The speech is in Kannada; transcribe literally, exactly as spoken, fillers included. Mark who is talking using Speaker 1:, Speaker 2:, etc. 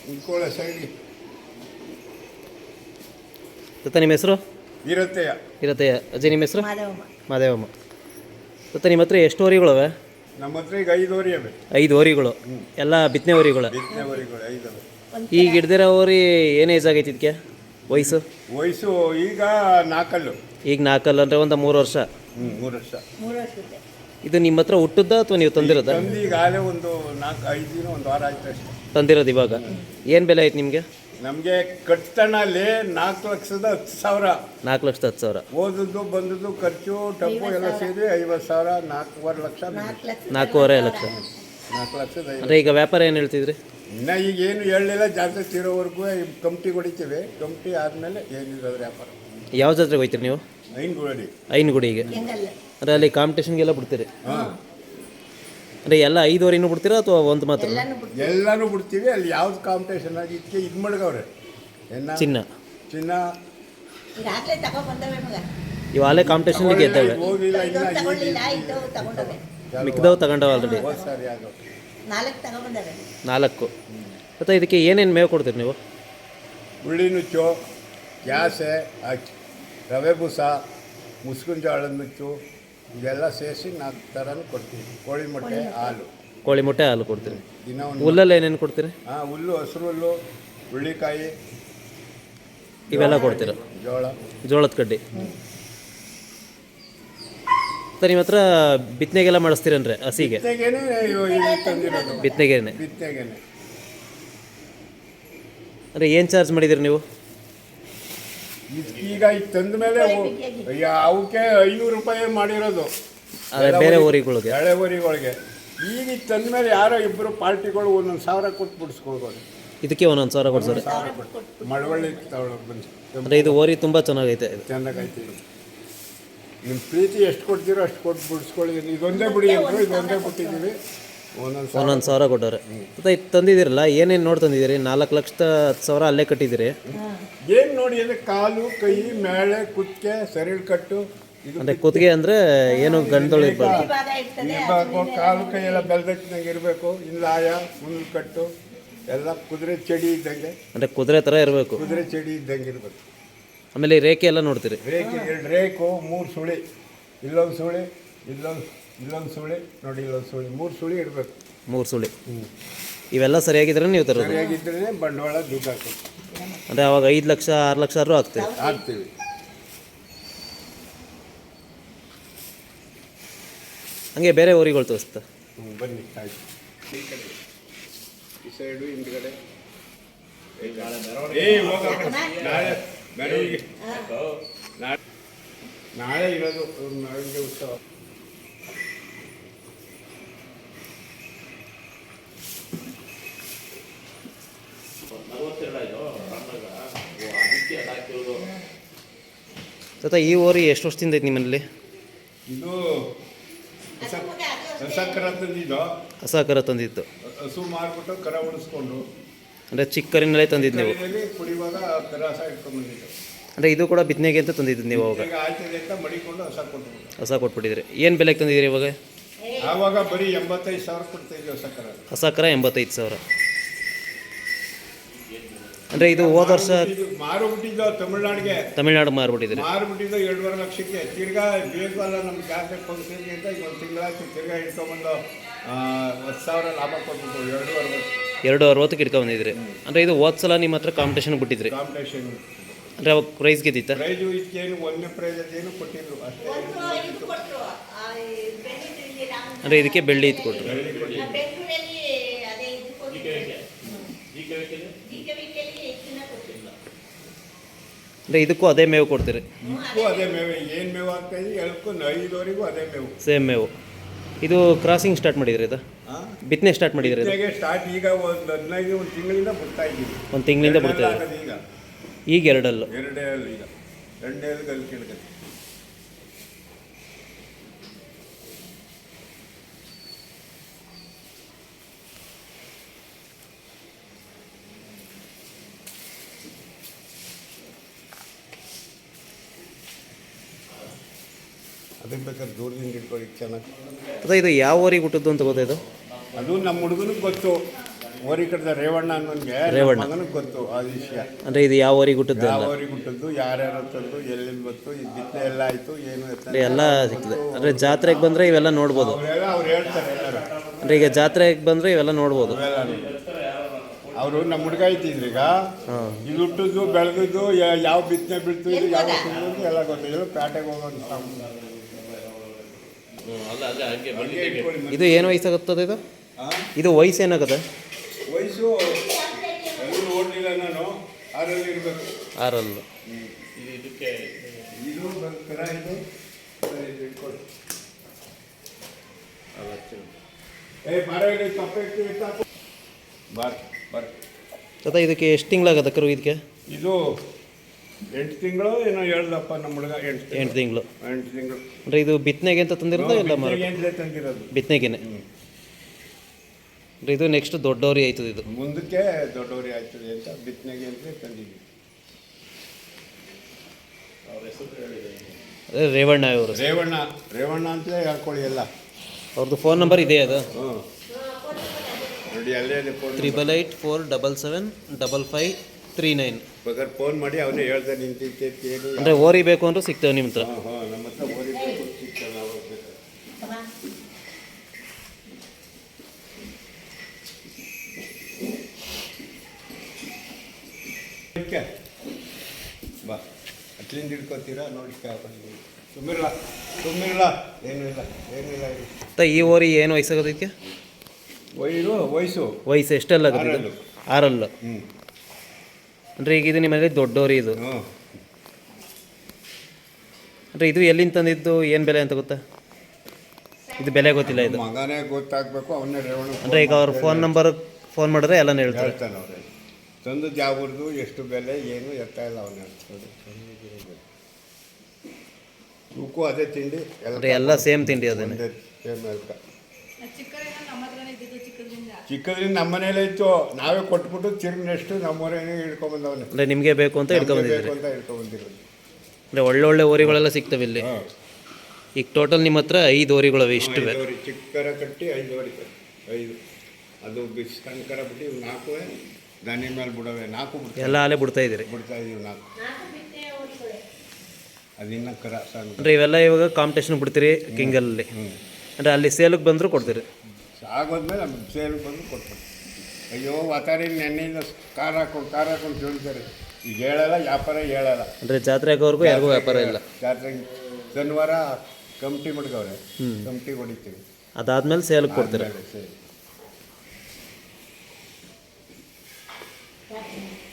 Speaker 1: ಉಳ್ಕೊಳ್ಳೋ ಸೈಡ್ಗೆ
Speaker 2: ತಾತ ನಿಮ್ಮ ಹೆಸರು?
Speaker 1: ಇರತ್ತೆಯ
Speaker 2: ಇರತ್ತೆ. ಅಜ್ಜಿ ನಿಮ್ಮ ಹೆಸರು?
Speaker 3: ಮಾಧವಮ್ಮ.
Speaker 2: ಮಾದೇವಮ್ಮ. ತಾತ ನಿಮ್ಮ ಹತ್ರ ಎಷ್ಟು ಹೋರಿಗಳವೆ?
Speaker 1: ನಮ್ಮ ಹತ್ರ ಈಗ ಐದು ವರಿ ಅವೆ.
Speaker 2: ಐದು ಹೋರಿಗಳು ಎಲ್ಲ ಬಿತ್ತನೆ ಹೋರಿಗಳು.
Speaker 1: ಬಿತ್ತನೆ ವರಿಗಳು ಐದು ಅವೆ.
Speaker 2: ಈಗ ಹಿಡ್ದಿರೋ ಹೋರಿ ಏನು ಏಜ್ ಆಗೈತಿ ಇದಕ್ಕೆ ವಯಸ್ಸು?
Speaker 1: ವಯಸ್ಸು ಈಗ ನಾಲ್ಕಲ್ಲು.
Speaker 2: ಈಗ ನಾಲ್ಕಲ್ಲ ಅಂದರೆ ಒಂದು ಮೂರು ವರ್ಷ.
Speaker 1: ಹ್ಞೂ ಮೂರು ವರ್ಷ.
Speaker 3: ಮೂರು ವರ್ಷಕ್ಕೆ
Speaker 2: ಇದು ನಿಮ್ಮ ಹತ್ರ ಹುಟ್ಟುತ್ತಾ ಅಥವಾ ನೀವು ತಂದಿರೋದ?
Speaker 1: ತಂದು ಈಗಾಗಲೇ ಒಂದು ನಾಲ್ಕು ಐದು ದಿನ ಒಂದು ವಾರ ಆಯ್ತು ಅಷ್ಟೇ.
Speaker 2: ತಂದಿರೋದು ಇವಾಗ ಏನು ಬೆಲೆ ಆಯ್ತು ನಿಮಗೆ?
Speaker 1: ನಮಗೆ ಕಟ್ಟಣಲ್ಲಿ ನಾಲ್ಕು ಲಕ್ಷದ ಹತ್ತು ಸಾವಿರ.
Speaker 2: ನಾಲ್ಕು ಲಕ್ಷದ ಹತ್ತು ಸಾವಿರ.
Speaker 1: ಓದದ್ದು ಬಂದದ್ದು ಖರ್ಚು ಟಪ್ಪು ಎಲ್ಲ ಸೇರಿ ಐವತ್ತು ಸಾವಿರ. ನಾಲ್ಕೂವರೆ ಲಕ್ಷ
Speaker 3: ನಾಲ್ಕು ಲಕ್ಷ
Speaker 2: ನಾಲ್ಕೂವರೆ ಲಕ್ಷ.
Speaker 1: ನಾಲ್ಕು ಲಕ್ಷದ ಐವತ್ತು.
Speaker 2: ಅಂದರೆ ಈಗ ವ್ಯಾಪಾರ ಏನು ಹೇಳ್ತಿದ್ರಿ?
Speaker 1: ಇನ್ನು ಈಗ ಏನು ಹೇಳಲಿಲ್ಲ, ಜಾತ್ರೆ ತೀರೋವರೆಗೂ ಕಂಪ್ಟಿ ಹೊಡಿತೀವಿ. ಕಂಪ್ಟಿ ಆದಮೇಲೆ ಏನಿರೋದು ವ್ಯಾಪಾರ.
Speaker 2: ಯಾವ ಜಾತ್ರೆಗೆ ಹೋಯ್ತೀರಿ ನೀವು?
Speaker 1: ಐನ್ಗುಡಿ.
Speaker 2: ಐನಗುಡಿಗೆ.
Speaker 3: ಹೆಂಗಲ್ಲ
Speaker 2: ಅಂದರೆ ಅಲ್ಲಿ ಕಾಂಪಿಟೇಷನ್ಗೆಲ್ಲ ಬಿಡ್ತೀರಿ?
Speaker 1: ಹಾಂ,
Speaker 2: ಅಂದರೆ ಎಲ್ಲ ಐದುವರೆನೂ ಬಿಡ್ತೀರಾ ಅಥವಾ ಒಂದು ಮಾತ್ರ?
Speaker 3: ಎಲ್ಲಾನು ಬಿಟ್ಟು
Speaker 1: ಎಲ್ಲನೂ ಬಿಡ್ತೀವಿ. ಅಲ್ಲಿ ಯಾವ್ದು ಕಾಂಪಿಟೇಷನ್ ಆಗಿ ಇದಕ್ಕೆ ಇದು ಮಡ್ಗವ್ರೆ ಎನ್ನ
Speaker 2: ಚಿನ್ನ
Speaker 1: ಚಿನ್ನ
Speaker 3: ಈಗ ಆಗ್ಲೇ ತಗೋ ಬಂದವೆ ಮಗ.
Speaker 2: ಇವು ಅಲ್ಲೇ ಕಾಂಪಿಟೇಷನ್ಗೆ ಗೆದ್ದಾವೆ.
Speaker 1: ಹೋಗಿಲ್ಲ
Speaker 3: ಇದೊಂದು
Speaker 1: ಇನ್ನ
Speaker 3: ತಗೊಳ್ಳಿಲ್ಲ, ಇದ್ದವು ತಗೊಂಡವೆ.
Speaker 2: ಮಿಕ್ದವು ತಗೊಂಡವ ಆಲ್ರೆಡಿ.
Speaker 1: ಹೋದ ಸಾರಿ ಅದು
Speaker 3: ನಾಲ್ಕು ತಗೊಂಡ್ಬಂದವೆ.
Speaker 2: ನಾಲ್ಕು. ಮತ್ತು ಇದಕ್ಕೆ ಏನೇನು ಮೇವು ಕೊಡ್ತೀರಿ ನೀವು?
Speaker 1: ಉಳ್ಳಿ ನುಚ್ಚು, ಗ್ಯಾಸೆ, ಅಕ್ಕಿ, ರವೆ ಬೂಸ, ಮುಸ್ಕಿನ ಜೋಳದ ನುಚ್ಚು ಇದೆಲ್ಲ ಸೇರಿಸಿ ನಾಲ್ಕು ಥರನೂ ಕೊಡ್ತೀವಿ. ಕೋಳಿ ಮೊಟ್ಟೆ, ಹಾಲು.
Speaker 2: ಕೋಳಿ ಮೊಟ್ಟೆ ಹಾಲು ಕೊಡ್ತೀರಿ.
Speaker 1: ದಿನ ಒಂದು
Speaker 2: ಹುಲ್ಲಲ್ಲಿ ಏನೇನು ಕೊಡ್ತೀರಿ?
Speaker 1: ಹಾಂ, ಹುಲ್ಲು, ಹಸಿರು ಹುಲ್ಲು, ಹುಳ್ಳಿಕಾಯಿ
Speaker 2: ಇವೆಲ್ಲ ಕೊಡ್ತೀರಾ?
Speaker 1: ಜೋಳ,
Speaker 2: ಜೋಳದ ಕಡ್ಡಿ. ಸರ್ ನಿಮ್ಮ ಹತ್ರ ಬಿತ್ತನೆಗೆಲ್ಲ ಮಾಡಿಸ್ತೀರನ್ರಿ ಹಸಿಗೆ?
Speaker 1: ಬಿತ್ತೆಗೇನೆ ಇಲ್ಲಿ ತಂದಿರೋದು.
Speaker 2: ಬಿತ್ತನೆಗೇನೆ.
Speaker 1: ಬಿತ್ತೆಗೇನೆ.
Speaker 2: ಅಂದರೆ ಏನು ಚಾರ್ಜ್ ಮಾಡಿದ್ದೀರಿ ನೀವು?
Speaker 1: ಇದ್- ಈಗ ಇದು ತಂದ ಮೇಲೆ ಅವಕ್ಕೆ ಐನೂರು ರೂಪಾಯಿ ಮಾಡಿರೋದು.
Speaker 2: ಅದೇ ಬೇರೆ ಊರುಗಳಿಗೆ.
Speaker 1: ಎಳೆ ಊರಿಗಳಿಗೆ ಈಗ ಇದು ತಂದ ಮೇಲೆ ಯಾರೋ ಇಬ್ಬರು ಪಾರ್ಟಿಗಳು ಒಂದೊಂದು ಸಾವಿರ ಕೊಟ್ಟು ಬಿಡಿಸ್ಕೋಬೋದು.
Speaker 2: ಇದಕ್ಕೆ ಒಂದೊಂದು ಸಾವಿರ ಕೊಡ್ತಾರೆ.
Speaker 1: ಸಾವಿರ ಕೊಟ್ಟು ಮಳವಳ್ಳಿ ತಗೊಳ್ಳೋದು ಬಂದು
Speaker 2: ಅಂದರೆ ಇದು ಓರಿ ತುಂಬ ಚೆನ್ನಾಗೈತೆ.
Speaker 1: ಚೆನ್ನಾಗೈತಿ. ನಿಮ್ಮ ಪ್ರೀತಿ ಎಷ್ಟು ಕೊಡ್ತೀರೋ ಅಷ್ಟು ಕೊಟ್ಟು ಬಿಡಿಸ್ಕೊಳ್ಳಿ. ಇದೊಂದೇ ಬಿಡಿ ಅಂದರು, ಇದೊಂದೇ ಬಿಟ್ಟಿದ್ದೀವಿ. ಒಂದೊಂದು ಸಾವಿರ
Speaker 2: ಒಂದೊಂದು ಸಾವಿರ ಕೊಟ್ಟವ್ರೆ. ಮತ್ತು ಇದು ತಂದಿದ್ದೀರಲ್ಲ, ಏನೇನು ನೋಡಿ ತಂದಿದ್ದೀರಿ? ನಾಲ್ಕು ಲಕ್ಷದ ಹತ್ತು ಸಾವಿರ ಅಲ್ಲೇ ಕಟ್ಟಿದ್ದೀರಿ.
Speaker 1: ಏನು ನೋಡಿ ಅಂದರೆ ಕಾಲು, ಕೈ, ಮೇಳೆ, ಕುತ್ತಿಗೆ, ಸರಿಳು ಕಟ್ಟು. ಇದು
Speaker 2: ಅಂದರೆ ಕುತ್ತಿಗೆ ಅಂದರೆ ಏನು ಗಂಟಲು ಇರ್ಬಾರ್ದು.
Speaker 3: ಈ ಭಾಗ ಇರ್ತದೆ,
Speaker 1: ಇರಬೇಕು. ಕಾಲು ಕೈ ಎಲ್ಲ ಬೆಲ್ದಟ್ಟಿನಾಗ ಇರಬೇಕು. ಇಂದಾಯ, ಹುಲ್ಲು ಕಟ್ಟು ಎಲ್ಲ ಕುದುರೆ ಚಡಿ ಇದ್ದಂಗೆ.
Speaker 2: ಅಂದರೆ ಕುದುರೆ ಥರ ಇರಬೇಕು.
Speaker 1: ಕುದುರೆ ಚಡಿ ಇದ್ದಂಗೆ ಇರಬೇಕು.
Speaker 2: ಆಮೇಲೆ ಈ ರೇಖೆ ಎಲ್ಲ ನೋಡ್ತೀರಿ?
Speaker 1: ರೇಖೆ ಎರಡು ರೇಕು, ಮೂರು ಸುಳಿ, ಇಲ್ಲೊಂದು ಸುಳಿ, ಇಲ್ಲೊಂದು ಇಲ್ಲೊಂದು ಸುಳಿ ನೋಡಿ, ಇಲ್ಲೊಂದು ಸುಳಿ, ಮೂರು ಸುಳಿ ಇಡಬೇಕು.
Speaker 2: ಮೂರು ಸುಳಿ. ಇವೆಲ್ಲ ಸರಿಯಾಗಿದ್ರೆ ನೀವು ತರೋದು?
Speaker 1: ಸರಿಯಾಗಿದ್ದರೆ ಬಂಡವಾಳ ದುಡ್ಡು ಹಾಕಬೇಕು.
Speaker 2: ಅಂದರೆ ಅವಾಗ ಐದು ಲಕ್ಷ ಆರು ಲಕ್ಷ ಆದ್ರೂ ಆಗ್ತದೆ.
Speaker 1: ಹಾಕ್ತೀವಿ.
Speaker 2: ಹಂಗೆ ಬೇರೆ ಊರಿಗಳು ತೋರಿಸ್ತಾ?
Speaker 1: ಹ್ಞೂ, ಬನ್ನಿ ಆಯ್ತು. ಈ ಕಡೆ ಈ ಸೈಡು ಹಿಂದ್ಗಡೆ. ಏ ಹೋಗಪ್ಪ, ನಾಳೆ ಮೆರವಣಿಗೆ. ನಾಳೆ ನಾಳೆ ಇರೋದು ಮೆರವಣಿಗೆ ಉತ್ಸವ.
Speaker 2: ತಾತ ಈ ಓರಿ ಎಷ್ಟು ವರ್ಷದಿಂದ ಐತೆ ನಿಮ್ಮಲ್ಲಿ?
Speaker 1: ಇದು ಹೊಸ ಕರ ತಂದಿದ್ದು.
Speaker 2: ಹೊಸ ಕರ ತಂದಿತ್ತು.
Speaker 1: ಹಸು ಮಾರ್ಬಿಟ್ಟು ಕರ ಉಳಿಸ್ಕೊಂಡು
Speaker 2: ಅಂದರೆ ಚಿಕ್ಕ ಕರಿನಲ್ಲೇ ತಂದಿದ್ದು ನೀವು?
Speaker 1: ಕರಿನಲ್ಲಿ ಕುಡಿಯುವಾಗ ಕರಾಸ ಇಟ್ಕೊಂಡ್ಬಂದಿದ್ದು.
Speaker 2: ಅಂದರೆ ಇದು ಕೂಡ ಬಿತ್ತನೆಗೆ ಅಂತ ತಂದಿದ್ದು ನೀವು ಅವಾಗ?
Speaker 1: ಈಗ ಆಯ್ತದೆ ಅಂತ ಮಡಿಕೊಂಡು ಹೊಸ ಕೊಟ್ಟು
Speaker 2: ಹೊಸ ಕೊಟ್ಬಿಟ್ಟಿದ್ರಿ. ಏನು ಬೆಲೆಗೆ ತಂದಿದ್ದೀರಿ ಇವಾಗ?
Speaker 1: ಆವಾಗ ಬರೀ ಎಂಬತ್ತೈದು ಸಾವಿರ ಕೊಡ್ತಾ ಇದ್ವಿ ಹೊಸ ಕರ.
Speaker 2: ಹೊಸ ಕರ ಎಂಬತ್ತೈದು ಸಾವಿರ. ಅಂದರೆ ಇದು ಹೋದ ವರ್ಷ
Speaker 1: ಮಾರುಬಿಟ್ಟಿದ್ದು ತಮಿಳ್ನಾಡಿಗೆ.
Speaker 2: ತಮಿಳ್ನಾಡು ಮಾರ್ಬಿಟ್ಟಿದ್ರಿ?
Speaker 1: ಮಾರುಬಿಟ್ಟಿದ್ದು ಎರಡೂವರೆ ಲಕ್ಷಕ್ಕೆ. ತಿರ್ಗಾ ಬೇಕಲ್ಲ ನಮ್ಗೆ ಜಾತ್ರೆ ಫಂಕ್ಷನ್ಗೆ ಅಂತ ಈಗ ಒಂದು ತಿಂಗಳಾಯ್ತು. ತಿರ್ಗಾ ಇಟ್ಕೊಂಡ್ಬಂದು ಹತ್ತು ಸಾವಿರ ಲಾಭ ಕೊಟ್ಬಿಟ್ಟು ಎರಡೂವರೆ
Speaker 2: ಎರಡು ಅರವತ್ತಕ್ಕೆ ಇಟ್ಕೊಂಡ್ಬಂದಿದ್ರಿ. ಅಂದರೆ ಇದು ಹೋದ ಸಲ ನಿಮ್ಮ ಹತ್ರ ಕಾಂಪಿಟೇಷನ್ ಬಿಟ್ಟಿದ್ರಿ?
Speaker 1: ಕಾಂಪಿಟೇಷನ್.
Speaker 2: ಅಂದರೆ ಅವಾಗ ಪ್ರೈಸ್ ಗೆದ್ದಿತ್ತ?
Speaker 1: ಪ್ರೈಜು ಇದಕ್ಕೇನು ಒಂದನೇ ಪ್ರೈಜ್ ಅದೇನು ಕೊಟ್ಟಿದ್ರು ಅಷ್ಟೇ.
Speaker 3: ಇದು ಕೊಟ್ಟರು. ಆ, ಈ ಬೆಳ್ಳಿದಲ್ಲಿ ರಾಮ-
Speaker 2: ಅಂದರೆ ಇದಕ್ಕೆ ಬೆಳ್ಳಿ ಇತ್ತು ಕೊಟ್ಟರು.
Speaker 3: ಬೆಂಗಳೂರಲ್ಲಿ ಅದೇ ಇದು ಕೊಟ್ಟಿದ್ರು. ಜಿ ಕೆ ವಿಕೆಯಲ್ಲಿ ಹೆಚ್ಚಿನ ಕೊಟ್ಟಿಲ್ಲ.
Speaker 2: ಅಂದರೆ ಇದಕ್ಕೂ ಅದೇ ಮೇವು ಕೊಡ್ತೀರಿ?
Speaker 1: ಇದಕ್ಕೂ ಅದೇ ಮೇವು. ಏನು ಮೇವು ಆಗ್ತಾ ಇದೆ ಎಲ್ಕು ಐದುವರೆಗೂ ಅದೇ ಮೇವು.
Speaker 2: ಸೇಮ್ ಮೇವು. ಇದು ಕ್ರಾಸಿಂಗ್ ಸ್ಟಾರ್ಟ್ ಮಾಡಿದ್ರಿ? ಇದು
Speaker 1: ಹಾಂ,
Speaker 2: ಬಿತ್ತನೆ ಸ್ಟಾರ್ಟ್ ಮಾಡಿದ್ರಿ? ಇದು
Speaker 1: ಸ್ಟಾರ್ಟ್ ಈಗ ಒಂದು ಹದಿನೈದು ಒಂದು ತಿಂಗಳಿಂದ ಬಿಡ್ತಾ ಇದ್ದೀವಿ.
Speaker 2: ಒಂದು ತಿಂಗಳಿಂದ ಬಿಡ್ತಾ ಇದೆ.
Speaker 1: ಆಗೋದು ಈಗ
Speaker 2: ಈಗ ಎರಡಲ್ಲು.
Speaker 1: ಎರಡೇ ಅಲ್ಲಿ ಈಗ ಎರಡನೇ ಅಲ್ಲಿ ಗಲ್ ಕೆಳಗಡೆ. ಅದಕ್ಕೆ ಬೇಕಾದ್ರೆ ದೂರದಿಂದ ಇಟ್ಕೊಳ್ಳಿ ಚೆನ್ನಾಗಿ.
Speaker 2: ಅದ ಇದು ಯಾವ ಊರಿಗೆ ಹುಟ್ಟಿದ್ದು ಅಂತ ಗೊತ್ತಾಯ್ತು?
Speaker 1: ಅದು ನಮ್ಮ ಹುಡುಗನಿಗೆ ಗೊತ್ತು. ಓರಿ ಕಟ್ಟದ ರೇವಣ್ಣ ಅನ್ನೋನ್ಗೆ
Speaker 2: ರೇವಣ್ಣ.
Speaker 1: ಮಗನಿಗೆ ಗೊತ್ತು ಆ ವಿಷಯ.
Speaker 2: ಅಂದರೆ ಇದು ಯಾವ ಊರಿಗೆ ಹುಟ್ಟಿದ್ದು
Speaker 1: ಯಾವ
Speaker 2: ಎಲ್ಲ
Speaker 1: ಓರಿ ಹುಟ್ಟಿದ್ದು, ಯಾರ್ಯಾರು ತಂದು, ಎಲ್ಲಿಂದ ಬಂತು, ಇದು ಬಿತ್ತನೆ ಎಲ್ಲ ಆಯಿತು, ಏನು ಎತ್ತ
Speaker 2: ಅಂದರೆ ಎಲ್ಲ ಸಿಗ್ತದೆ. ಅಂದರೆ ಜಾತ್ರೆಗೆ ಬಂದರೆ ಇವೆಲ್ಲ ನೋಡ್ಬೋದು.
Speaker 1: ಅವರೆಲ್ಲ ಅವ್ರು ಹೇಳ್ತಾರೆ ಎಲ್ಲರೂ.
Speaker 2: ಅಂದರೆ ಈಗ ಜಾತ್ರೆಗೆ ಬಂದರೆ ಇವೆಲ್ಲ ನೋಡ್ಬೋದು.
Speaker 1: ಅವರು ನಮ್ಮ ಹುಡುಗ ಐತಿದ್ರು ಈಗ
Speaker 2: ಹಾಂ
Speaker 1: ಇದು ಹುಟ್ಟಿದ್ದು ಬೆಳೆದಿದ್ದು ಯಾವ ಬಿತ್ತನೆ ಬೀಳ್ತು ಇದು ಯಾವ ಸುಮ್ಮನೆ ಎಲ್ಲ ಗೊತ್ತಿಲ್ಲ. ಪ್ಯಾಟೆಗೆ ಹೋಗೋದು
Speaker 2: ಇದು ಏನು ವಯಸ್ಸಾಗುತ್ತದೆ ಇದು ಇದು ವಯಸ್ಸು ಏನಾಗುತ್ತೆ?
Speaker 1: ವಯಸ್ಸು ಎಲ್ಲೂ ನೋಡಲಿಲ್ಲ ನಾನು, ಆರಲ್ಲಿ ಇರಬೇಕು.
Speaker 2: ಆರಲ್ಲ
Speaker 3: ಇದಕ್ಕೆ
Speaker 1: ಇದು ಕರ ಇದೆ. ಸರಿ, ಇದು ಇಟ್ಕೊಳ್ಳಿ. ಏ ಬಾರ ಇಲ್ಲಿ ಕಪ್ಪೆ ಇಟ್ಟು ಬಾರ್ ಬಾರ್.
Speaker 2: ತದ ಇದಕ್ಕೆ ಎಷ್ಟು ತಿಂಗಳಾಗತ್ತೆ ಕರು ಇದಕ್ಕೆ?
Speaker 1: ಇದು ಎಂಟು ತಿಂಗಳು ಏನೋ ಹೇಳ್ದಪ್ಪ ನಮ್ಮ ಹುಡುಗ. ಎಂಟು
Speaker 2: ಎಂಟು ತಿಂಗಳು
Speaker 1: ಎಂಟು ತಿಂಗಳು
Speaker 2: ಅಂದರೆ ಇದು ಬಿತ್ತನೆಗೆ ಅಂತ ತಂದಿರೋದು ಇಲ್ಲ ಮರ
Speaker 1: ಅಂತಲೇ ತಂದಿರೋದು.
Speaker 2: ಬಿತ್ತನೆಗೇನೆ. ಅಂದರೆ ಇದು ನೆಕ್ಸ್ಟ್ ದೊಡ್ಡವರಿ ಆಯ್ತದೆ. ಇದು
Speaker 1: ಮುಂದಕ್ಕೆ ದೊಡ್ಡವರಿ ಆಯ್ತದೆ ಅಂತ ಬಿತ್ತನೆಗೆ ಅಂತಲೇ ತಂದಿದ್ವಿ.
Speaker 2: ಅದೇ ರೇವಣ್ಣ ಇವರು.
Speaker 1: ರೇವಣ್ಣ ರೇವಣ್ಣ ಅಂತಲೇ ಹೇಳ್ಕೊಳ್ಳಿ ಎಲ್ಲ.
Speaker 2: ಅವ್ರದ್ದು ಫೋನ್ ನಂಬರ್ ಇದೆ ಅದು
Speaker 1: ಹ್ಞೂ ನೋಡಿ ಅಲ್ಲೇ ಇದೆ phone.
Speaker 2: Triple eight four double seven double five three nine.
Speaker 1: ಬೇಕಾದ್ರೆ ಫೋನ್ ಮಾಡಿ ಅವನೇ ಹೇಳ್ದೆ ನಿಂತೈತೆ ಏನು.
Speaker 2: ಅಂದರೆ ಓರಿ ಬೇಕು ಅಂದ್ರೂ ಸಿಗ್ತೇವೆ ನಿಮ್ಮ ಹತ್ರ.
Speaker 1: ಹಾಂ ಹಾಂ ನಮ್ಮ ಹತ್ರ ಓದಿಬೇಕು ಸಿಗ್ತಲ್ಲ ಅವಾಗ ಬೇಕಾದ್ರೆ. ಬಾ ಅಟ್ಲಿಂದ ಹಿಡ್ಕೊತೀರಾ ನೋಡಿ. ಸುಮ್ಮಿರಲ್ಲ ಸುಮ್ಮಿರಲ್ಲ ಏನೂ ಇಲ್ಲ ಏನೂ ಇಲ್ಲ ಇದು.
Speaker 2: ಮತ್ತು ಈ ಓರಿ ಏನು ವಯಸ್ಸಾಗೋದು ಇದಕ್ಕೆ?
Speaker 1: ವಯಸ್ಸು ವಯಸ್ಸು
Speaker 2: ವಯಸ್ಸು ಎಷ್ಟೆಲ್ಲ ಆಗುತ್ತೆ ಇದು?
Speaker 1: ಆರಲ್ಲು.
Speaker 2: ಆರಲ್ಲು.
Speaker 1: ಹ್ಞೂ
Speaker 2: ಅಂದರೆ ಈಗ ಇದು ನಿಮ್ಮಲ್ಲಿ ದೊಡ್ಡೋರಿ ಇದು.
Speaker 1: ಹ್ಞೂ
Speaker 2: ಅಂದರೆ ಇದು ಎಲ್ಲಿಂದ ತಂದಿದ್ದು, ಏನು ಬೆಲೆ ಅಂತ ಗೊತ್ತಾ? ಇದು ಬೆಲೆ ಗೊತ್ತಿಲ್ಲ ಇದು.
Speaker 1: ಮಗನೇ ಗೊತ್ತಾಗಬೇಕು ಅವನ್ನೇ ರೇವಣ್ಣ.
Speaker 2: ಅಂದರೆ ಈಗ ಅವ್ರ ಫೋನ್ ನಂಬರ್ ಫೋನ್ ಮಾಡಿದ್ರೆ ಎಲ್ಲನೂ ಹೇಳ್ತಾರೆ.
Speaker 1: ಹೇಳ್ತಾನೆ ಅವ್ರೆ ತಂದದ್ದು ಯಾವ್ದು ಎಷ್ಟು ಬೆಲೆ ಏನು ಎತ್ತ ಇಲ್ಲ ಅವನು ಹೇಳ್ತಾರೆ. ಇವಕ್ಕೂ ಅದೇ ತಿಂಡಿ
Speaker 2: ಅಂದರೆ ಎಲ್ಲ ಸೇಮ್ ತಿಂಡಿ ಅದೇನೆ.
Speaker 1: ಒಂದೇ ಸೇಮ್ ಎಲ್ಕ.
Speaker 4: ಚಿಕ್ಕದ್ರಿಂದ ನಮ್ಮ ಹತ್ರನೇ ಇದ್ದಿದ್ದು ಚಿಕ್ಕದ್ರಿಂದ.
Speaker 1: ಚಿಕ್ಕದ್ರಿಂದ ನಮ್ಮ ಮನೇಲೇ ಇತ್ತು, ನಾವೇ ಕೊಟ್ಬಿಟ್ಟು ತಿರುಗಿ ನೆಕ್ಸ್ಟು ನಮ್ಮೂರೇನೇ ಹಿಡ್ಕೊಂಬಂದವನೇ.
Speaker 2: ಅಂದರೆ ನಿಮಗೆ ಬೇಕು ಅಂತ
Speaker 1: ಬೇಕು
Speaker 2: ಹಿಡ್ಕೊಂಬಂದಿದ್ದೀರಿ.
Speaker 1: ಅಂತ ಹಿಡ್ಕೊಂಬಂದಿರೋದು.
Speaker 2: ಅಂದರೆ ಒಳ್ಳೊಳ್ಳೆ ಓರಿಗಳೆಲ್ಲ ಸಿಗ್ತವೆ ಇಲ್ಲಿ.
Speaker 1: ಹಾಂ
Speaker 2: ಈಗ ಟೋಟಲ್ ನಿಮ್ಮ ಹತ್ರ ಐದು ಓರಿಗಳವೆ ಇಷ್ಟುವೆ.
Speaker 1: ಐದುವರೆ ಚಿಕ್ಕರ ಕಟ್ಟಿ ಐದುವರೆ ಕಟ್ಟಿ ಐದು ಅದು ಬಿಸಿ ಕಣ್ಕರ ಬಿಟ್ಟು ಇವು ನಾಲ್ಕು ದನಿ ಮೇಲೆ ಬಿಡವೆ ನಾಲ್ಕು ಬಿಡ್ತಾ
Speaker 2: ಎಲ್ಲ ಅಲ್ಲೇ ಬಿಡ್ತಾ ಇದ್ದೀರಿ.
Speaker 1: ಬಿಡ್ತಾ ಇದೀವಿ ನಾಲ್ಕು.
Speaker 3: ನಾಲ್ಕು ಬಿಟ್ಟೆ ಹೋಗಿಕೊಳ್ಳಿ.
Speaker 1: ಅದಿನ್ನ ಕರ ಸಣ್ಣ.
Speaker 2: ಅಂದರೆ ಇವೆಲ್ಲ ಇವಾಗ ಕಾಂಪಿಟೇಷನ್ ಬಿಡ್ತೀರಿ ಕಿಂಗಲ್ಲಿ.
Speaker 1: ಹ್ಞೂ
Speaker 2: ಅಂದರೆ ಅಲ್ಲಿ ಸೇಲಿಗೆ ಬಂದರೂ ಕೊಡ್ತೀರಿ.
Speaker 1: ಆಗೋದ್ಮೇಲೆ ನಮ್ಗೆ ಸೇಲ್ ಬಂದು ಕೊಟ್ಬಿಟ್ಟು ಅಯ್ಯೋ ವಾತಾರಿ ನೆನ್ನೆಯಿಂದ ಕಾರ್ ಹಾಕೊಂಡು ಕಾರ್ ಹಾಕೊಂಡು ಹೇಳ್ತಾರೆ. ಈಗ ಹೇಳಲ್ಲ ವ್ಯಾಪಾರ ಹೇಳಲ್ಲ.
Speaker 2: ಅಂದರೆ ಜಾತ್ರೆ ಆಗೋವರೆಗೂ ಯಾರಿಗೂ ವ್ಯಾಪಾರ ಇಲ್ಲ.
Speaker 1: ಜಾತ್ರೆಗೆ ಶನಿವಾರ ಕಮಿಟಿ ಮಡ್ಗವ್ರೆ, ಕಮಿಟಿ ಹೊಡಿತೀವಿ.
Speaker 2: ಅದಾದ್ಮೇಲೆ ಸೇಲಿಗೆ ಕೊಡ್ತೀರಿ.
Speaker 1: ಆದ್ಮೇಲೆ ಸೇಲ್.